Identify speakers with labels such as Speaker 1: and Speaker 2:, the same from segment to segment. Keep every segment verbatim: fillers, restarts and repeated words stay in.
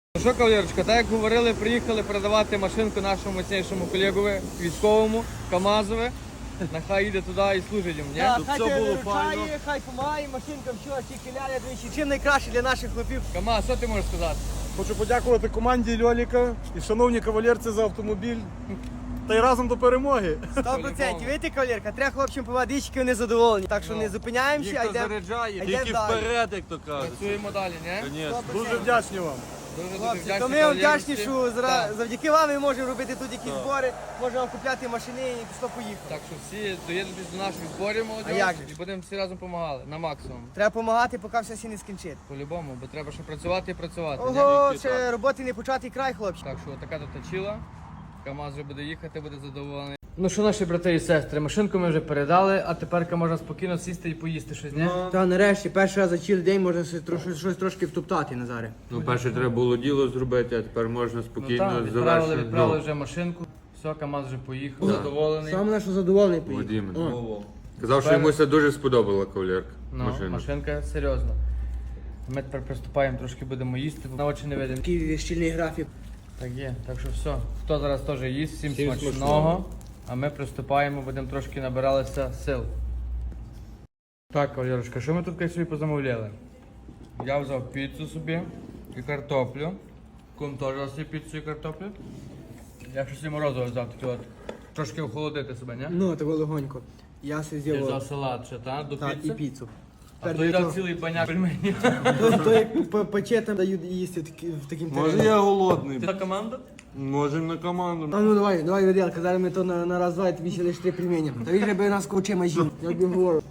Speaker 1: Ну що, кавалерочка, так як говорили, приїхали передавати машинку нашому мощнішому колегові, військовому, КамАЗові. Нехай їде туди і служить їм, ні?
Speaker 2: Так,
Speaker 3: Щоб
Speaker 2: хай
Speaker 3: все
Speaker 2: тебе
Speaker 3: було
Speaker 2: виручає,
Speaker 3: файно.
Speaker 2: хай помагає, машинка, все, тільки ляля двічі. Чим найкраще для наших хлопів?
Speaker 1: КамАЗ, що ти можеш сказати?
Speaker 3: Хочу подякувати команді Льоліка і шановні кавалерці за автомобіль. Та й разом до перемоги.
Speaker 2: Сто процентів. Видите, кавалерка, треба хлопцям по водички, вони задоволені. Так що
Speaker 1: Ну,
Speaker 2: не зупиняємося, а
Speaker 1: Їх то
Speaker 2: йдемо.
Speaker 1: заряджає.
Speaker 2: Йдемо
Speaker 3: Тільки
Speaker 2: далі.
Speaker 3: вперед, як то кажуть.
Speaker 1: Працюємо далі, ні?
Speaker 3: Звісно.
Speaker 2: Сто
Speaker 3: Дуже вдячні вам.
Speaker 1: Дуже дуже
Speaker 2: Хлопці,
Speaker 1: вдячні
Speaker 2: то ми вам
Speaker 1: кавалерці.
Speaker 2: вдячні, що зра-
Speaker 1: Так.
Speaker 2: завдяки вам ми можемо робити тут якісь збори, можемо купляти машини і пішло поїхало.
Speaker 1: Так що всі доєднуйтесь до наших зборів, молодь,
Speaker 2: А як же ж?
Speaker 1: і будемо всі разом допомагали, на максимум.
Speaker 2: Треба допомагати, поки все всі не скінчить.
Speaker 1: По-любому, бо треба ще працювати і працювати. ні?
Speaker 2: Ого,
Speaker 3: Тільки
Speaker 2: ще
Speaker 3: так.
Speaker 2: роботи не початий край, хлопці.
Speaker 1: Так що така тут точила. КамАЗ вже буде їхати, буде задоволений. Ну що, наші брати і сестри, машинку ми вже передали, а тепер можна спокійно сісти і поїсти щось, ні?
Speaker 2: Та нарешті, перший раз за цілий день можна щось трошки втоптати, Назаре.
Speaker 4: Ну, перше треба було діло зробити, а тепер можна
Speaker 1: Ну
Speaker 4: спокійно
Speaker 1: так, відправили,
Speaker 4: завершити.
Speaker 1: відправили вже машинку. Все, КамАЗ вже поїхав, задоволений.
Speaker 2: Саме наш задоволений
Speaker 4: Ну,
Speaker 2: поїхав.
Speaker 4: Вадим. Казав, що йому це дуже сподобала кавалерка.
Speaker 1: Ну,
Speaker 4: машина.
Speaker 1: машинка серйозно. Ми тепер приступаємо, трошки будемо їсти, бо на очі не видимо.
Speaker 2: Такий щільний графік.
Speaker 1: Так є, так що все. Хто зараз теж їсть, всім,
Speaker 4: Всім
Speaker 1: смачного.
Speaker 4: смачного.
Speaker 1: А ми приступаємо, будемо трошки набиралися сил. Так, кавалерочка, що ми тут собі позамовляли? Я взяв піцу собі і картоплю. Кум теж взяв собі піцу і картоплю. Я щось і морозиво взяв таке от. Трошки охолодити себе, ні?
Speaker 2: Ну, того легонько. Я се
Speaker 1: Я взяв
Speaker 2: з'їв
Speaker 1: салат ще, та? До
Speaker 2: та, і
Speaker 1: піци.
Speaker 2: піцу.
Speaker 1: А то їдав цілий баняк пельменів.
Speaker 2: То, то як по- пече там дають їсти такі- в таким
Speaker 3: Може
Speaker 2: терміном.
Speaker 3: я голодний.
Speaker 1: Ти на команду?
Speaker 3: Можемо на команду.
Speaker 2: А ну давай, давай, Веделка, зараз ми то на, на раз-два, і тобі ще лише три пельмені. Та він же би нас ковчима жив, як би говорив.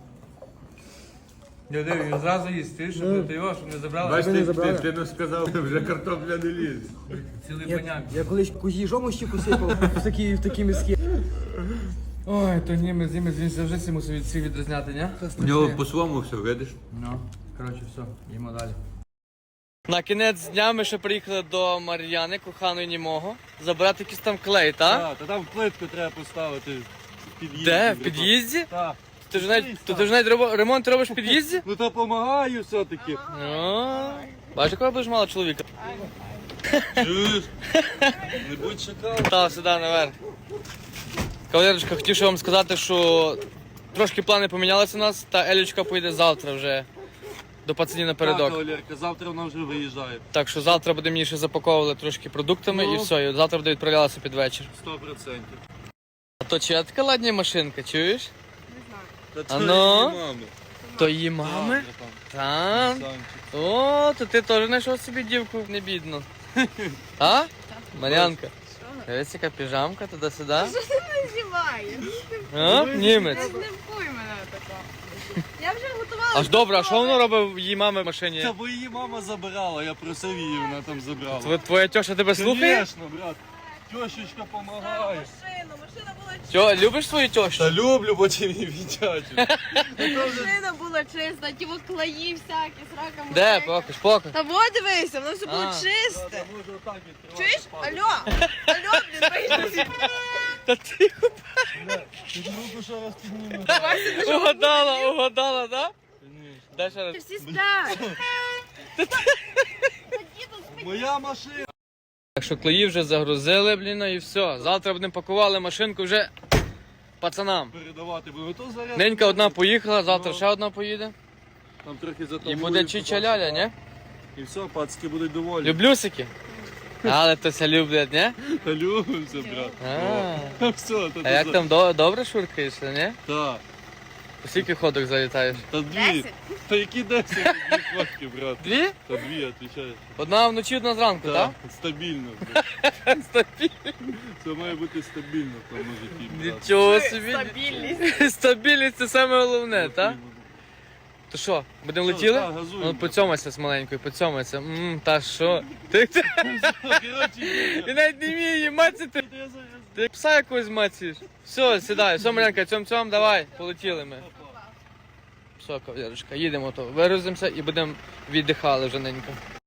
Speaker 1: Я дивлюсь, він зразу їсть, ти що ти його, щоб не забрали.
Speaker 4: Бачиш,
Speaker 2: не
Speaker 4: ти,
Speaker 2: забрали.
Speaker 4: ти, ти не сказав, вже картопля не ліз.
Speaker 1: Цілий
Speaker 2: Я,
Speaker 1: баняк.
Speaker 2: я колись кузі жому щіку сипав в такі, в такі миски.
Speaker 1: Ой, то ні, ми з ними він завжди всі мусив від всіх відрізняти, ні?
Speaker 4: У нього по-своєму все, видиш?
Speaker 1: Ну, коротше, все, їмо далі. На кінець дня ми ще приїхали до Мар'яни, коханої німого, забирати якийсь там клей, так?
Speaker 3: Так, та там плитку треба поставити в під'їзді.
Speaker 1: Де? В під'їзді?
Speaker 3: Так.
Speaker 1: Ти ж навіть, то ти ж навіть робо- ремонт робиш в під'їзді?
Speaker 3: Ну то допомагаю все-таки.
Speaker 1: Ну, бачиш, якого будеш мало чоловіка?
Speaker 3: Чуєш? Не будь шакалом.
Speaker 1: Та, сюди, наверх. Кавалерочка, хотів ще вам сказати, що трошки плани помінялися у нас, та Елічка поїде завтра вже до пацанів
Speaker 3: Так,
Speaker 1: напередок.
Speaker 3: кавалерка, завтра вона вже виїжджає.
Speaker 1: Так що завтра будемо її ще запаковувати трошки продуктами
Speaker 3: Ну.
Speaker 1: і все, і завтра буде відправлятися під вечір.
Speaker 3: Сто процентів.
Speaker 1: А то чия така ладня машинка, чуєш?
Speaker 3: Та
Speaker 1: А
Speaker 3: це
Speaker 1: ну?
Speaker 3: її мами.
Speaker 1: То її мами?
Speaker 3: Так,
Speaker 1: Так.
Speaker 3: братан,
Speaker 1: О, то ти теж знайшов собі дівку, не бідно. А? Мар'янка. Дивись, яка піжамка туди-сюди.
Speaker 5: Знімаєш.
Speaker 1: О, німець.
Speaker 5: Не вкуй мене такого. Я вже готувала.
Speaker 1: Аж добре, а що воно робить в її мами в машині?
Speaker 3: Та бо її мама забирала, я просив її, вона там забрала.
Speaker 1: Тво- Твоя тьоша тебе слухає?
Speaker 3: Звісно, брат. Тьошечка помагає.
Speaker 5: Машину, машина була
Speaker 1: Тьо, любиш свою тьощу?
Speaker 3: Та люблю, потім її віддячу.
Speaker 5: машина була чиста, ті от клеї всякі, срака
Speaker 1: Де?
Speaker 5: мужика.
Speaker 1: Покаж, покаж.
Speaker 5: Та вот дивися, воно все було
Speaker 1: А.
Speaker 5: чисте.
Speaker 3: Можу отак відкривати.
Speaker 5: Чуєш? Алло, алло, блін, вийди.
Speaker 1: Та ти
Speaker 3: Під руку ще раз підніме.
Speaker 1: угадала, угадала, да? Дай ще раз.
Speaker 5: Всі сплять.
Speaker 3: Моя машина.
Speaker 1: Так що клеї вже загрузили, блін, і все. Завтра будемо пакували машинку вже пацанам.
Speaker 3: Передавати буду. То заряд.
Speaker 1: Ненька одна поїхала, завтра ще одна поїде.
Speaker 3: Там трохи
Speaker 1: І
Speaker 3: затамую,
Speaker 1: буде чича-ляля, ні?
Speaker 3: І все, пацки будуть доволі.
Speaker 1: Люблюсики. Але то ся люблять, ні?
Speaker 3: Та любимося, брат.
Speaker 1: А,
Speaker 3: О, Все, то
Speaker 1: а як там до- добре шуркаєш, ні?
Speaker 3: Так.
Speaker 1: У скільки ходок залітаєш?
Speaker 3: Та дві.
Speaker 5: Десять.
Speaker 3: Та які десять? Дві фотки, брат.
Speaker 1: Дві?
Speaker 3: Та дві, отвечаю.
Speaker 1: Одна вночі, одна зранку,
Speaker 3: Так,
Speaker 1: так?
Speaker 3: стабільно. брат.
Speaker 1: Стабільність.
Speaker 3: Це має бути стабільно в тому житті, брат.
Speaker 1: Нічого собі.
Speaker 5: Стабільність.
Speaker 1: Стабільність це саме головне, так? То що, будемо
Speaker 3: Що,
Speaker 1: летіли?
Speaker 3: так, газуємо.
Speaker 1: Ну, поцьомайся з маленькою, поцьомайся. Ммм, та що? Ти, ти,
Speaker 3: Коротше,
Speaker 1: ти навіть не вміє її мацати.
Speaker 3: я за-
Speaker 1: Ти пса якогось мацаєш. Все, сідай, все, Марянка, цьом-цьом, давай, полетіли ми. Все, кавалерочка, їдемо то, вирузимося і будемо віддихали вже ненько.